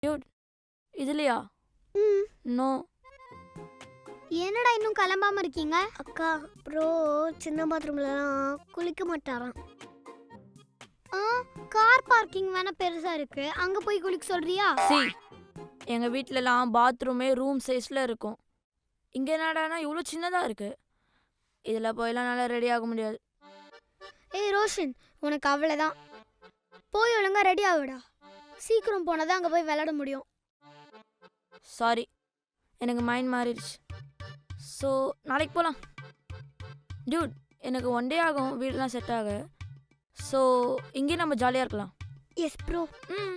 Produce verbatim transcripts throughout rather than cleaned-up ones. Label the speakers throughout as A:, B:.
A: Dude இதுலையா?
B: ம்
A: no.
B: என்னடா இன்னும் கிளம்பாம இருக்கீங்க? அக்கா ப்ரோ சின்ன பாத்ரூம்லலாம் குளிக்க மாட்டாராம். ஆ கார் பார்க்கிங் வேணா பெருசா இருக்கு, அங்க போய் குளிக்க சொல்றியா?
A: சி எங்க வீட்லலாம் பாத்ரூமே ரூம் சைஸ்ல இருக்கும். இங்க என்னடானா இவ்வளோ சின்னதா இருக்கு. இதுல போயெல்லாம் நல்லா ரெடி ஆக முடியாது.
B: ஏய் ரோஷன், உனக்கு அவ்வளோதான். போய் ஒழுங்கா ரெடி ஆகுடா. சீக்கிரம் போனதான் அங்கே போய் விளையாட முடியும்.
A: சாரி, எனக்கு மைண்ட் மாறிடுச்சு. ஸோ நாளைக்கு போகலாம். டியூட் எனக்கு ஒன் டே ஆகும் வீடெலாம் செட் ஆக. ஸோ இங்கே நம்ம ஜாலியாக இருக்கலாம்.
B: Yes bro.
A: ம்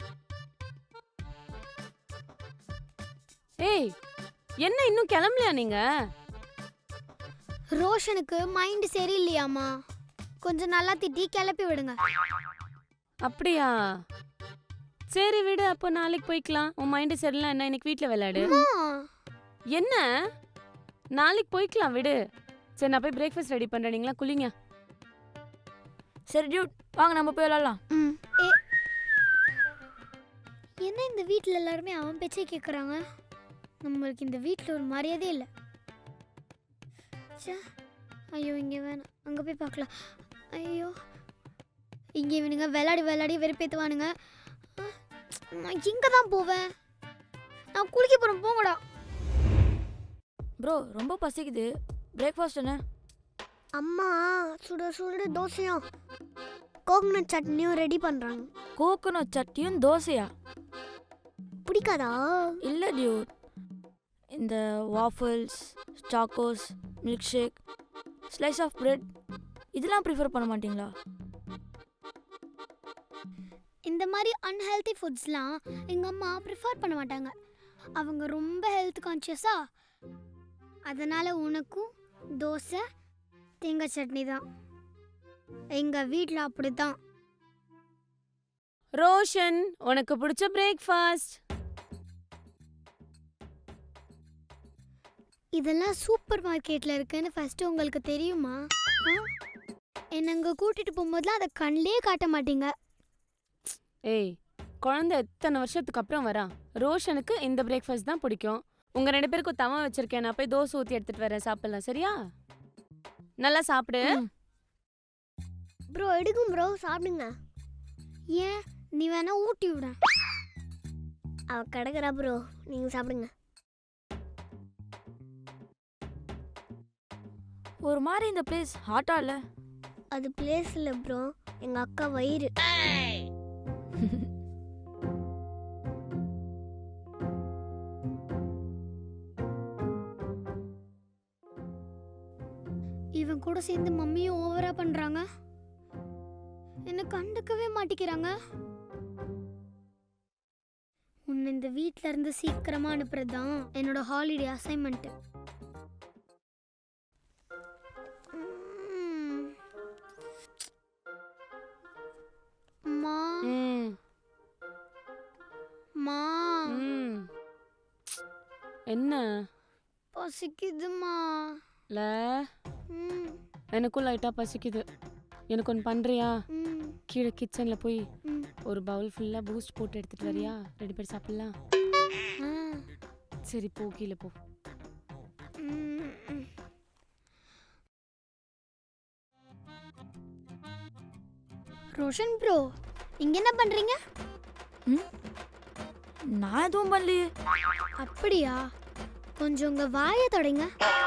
C: ஏய் என்ன இன்னும் கிளம்பலையா நீங்க?
B: ரோஷனுக்கு மைண்ட் சரியில்லையாமா, கொஞ்சம் நல்லா திட்டி கிளப்பி விடுங்க.
C: அப்படியா? சரி விடு, அப்போ நாளைக்கு போய்க்கலாம். உன் மைண்டு சரியில்லை என்ன, இன்னைக்கு வீட்டில் விளையாடு. என்ன நாளைக்கு போய்க்கலாம் விடு. சரி நான் போய் பிரேக்ஃபாஸ்ட் ரெடி பண்ணுறேன், நீங்களா குளிங்க.
A: சரி டியூட் வாங்க நம்ம போய் விளாட்லாம்.
B: ம் ஏ என்ன இந்த வீட்டில் எல்லாருமே அவன் பேச்சே கேட்குறாங்க? நம்மளுக்கு இந்த வீட்டில் ஒரு மரியாதையே இல்லை. சே ஐயோ இங்கே வேணாம், அங்கே போய் பார்க்கலாம். ஐயோ இங்கே இவனுங்க விளையாடி விளையாடி வெறுப்பேற்றுவானுங்க. நான் இங்கே தான் போவேன். நான் குளிக்க போகிறேன், போங்கடா.
A: ப்ரோ ரொம்ப பசிக்குது, பிரேக்ஃபாஸ்ட் என்ன?
B: அம்மா சுட சுட தோசையும் கோகனட் சட்னியும் ரெடி பண்ணுறாங்க.
A: கோகோனட் சட்னியும் தோசையா?
B: பிடிக்காதா?
A: இல்லை டியூட், இந்த waffles, Chocos, milk shake, slice of bread இதெல்லாம் ப்ரிஃபர் பண்ண மாட்டிங்களா?
B: இந்த மாதிரி அன்ஹெல்தி ஃபுட்ஸ்லாம் எங்கள் அம்மா ப்ரிஃபர் பண்ண மாட்டாங்க. அவங்க ரொம்ப ஹெல்த் கான்ஷியஸா. அதனால் உனக்கும் தோசை தேங்காய் சட்னி தான். எங்கள் வீட்டில் அப்படி தான்.
C: ரோஷன் உனக்கு பிடிச்ச பிரேக்ஃபாஸ்ட்.
B: இதெல்லாம் சூப்பர் மார்க்கெட்டில் இருக்குன்னு ஃபஸ்ட்டு உங்களுக்கு தெரியுமா? என்னை அங்கே கூட்டிகிட்டு போகும்போதுலாம் அதை கண்ணிலே காட்ட மாட்டீங்க.
C: ஏய் குழந்தை எத்தனை வருஷத்துக்கு அப்புறம் வரான். ரோஷனுக்கு இந்த பிரேக்ஃபாஸ்ட் தான் பிடிக்கும். உங்கள் ரெண்டு பேருக்கும் தவா வச்சிருக்கேன், நான் போய் தோசை ஊற்றி எடுத்துகிட்டு வரேன், சாப்பிட்லாம் சரியா? நல்லா சாப்பிடு.
B: ப்ரோ எடுக்கும் ப்ரோ, சாப்பிடுங்க. ஏன் நீ வேணா ஊட்டி விட. அவ கிடக்குறா ப்ரோ, நீங்கள் சாப்பிடுங்க.
A: ஒரு மாதிரி இந்த பிளேஸ் ஹாட்டா இல்லை?
B: அது பிளேஸ் இல்லை ப்ரோ, எங்கள் அக்கா வயிறு. இவன் கூட சேர்ந்து மம்மியும் ஓவரா பண்றாங்க. என்ன கண்டுக்கவே மாட்டிக்கிறாங்க. உன்னை இந்த வீட்ல இருந்து சீக்கிரமா அனுப்புறதுதான் என்னோட ஹாலிடே அசைன்மெண்ட். மா
C: ம்
B: மா
C: ம் என்ன
B: பசிக்குதுமா.
C: இல்லை
B: ம்
C: எனக்கும் லைட்டாக பசிக்குது. எனக்கு ஒன்று பண்ணுறியா?
B: ம்
C: கீழே கிச்சனில் போய்
B: ம்
C: ஒரு பவுல் ஃபுல்லாக பூஸ்ட் போட்டு எடுத்துகிட்டு வரியா? ரெண்டு பேர் சாப்பிட்லாம்.
B: ஆ
C: சரி போ, கீழே போ.
B: ம் ம். ரோஷன் ப்ரோ இங்க என்ன பண்றீங்க?
A: ம் நான் எதுவும் பண்ணலையே.
B: அப்படியா? கொஞ்சம் உங்க வாயை தொடங்க.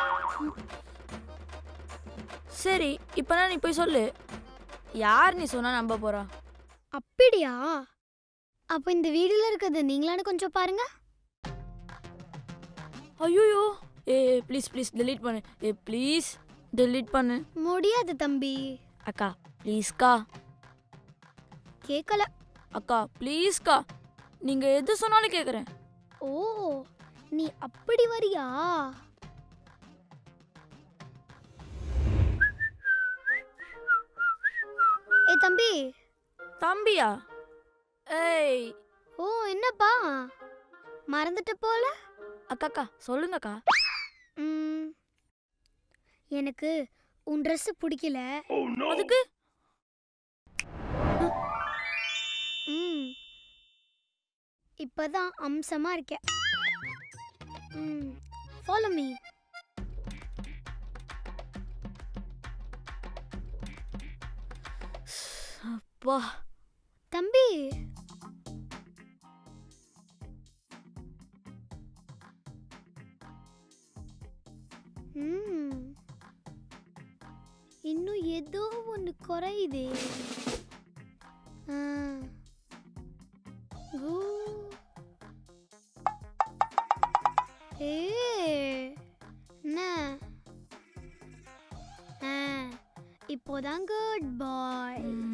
A: சரி இப்போ நீ போய் சொல்லு, யார் நீ சொன்னா நம்ப போறா?
B: அப்படியா? அப்போ இந்த வீடியோல இருக்கிறது நீங்களான்னு கொஞ்சம் பாருங்க.
A: ஐயோ ஏ ப்ளீஸ் ப்ளீஸ் டெலீட் பண்ணு. ஏ ப்ளீஸ் டெலீட் பண்ணு.
B: முடியாது தம்பி.
A: அக்கா ப்ளீஸ்க்கா.
B: கேட்கல.
A: அக்கா ப்ளீஸ்க்கா, நீங்க எது சொன்னாலும் கேட்குறேன்.
B: ஓ நீ அப்படி வரியா? ஏ தம்பி.
A: தம்பியா? ஏய்
B: ஓ என்னப்பா மறந்துட்ட போல.
A: அக்காக்கா சொல்லுங்கக்கா.
B: ம் எனக்கு உன் ட்ரெஸ் பிடிக்கல.
A: அதுக்கு
B: ம் இப்பதான் அம்சமா இருக்க. ம் ஃபாலோ மீ.
A: வா
B: தம்பி ம் இன்னும் ஏதோ ஒன்று குறையுதே. ஆ. கூ. ஏ என்ன ஆ இப்போதான் குட் பாய்.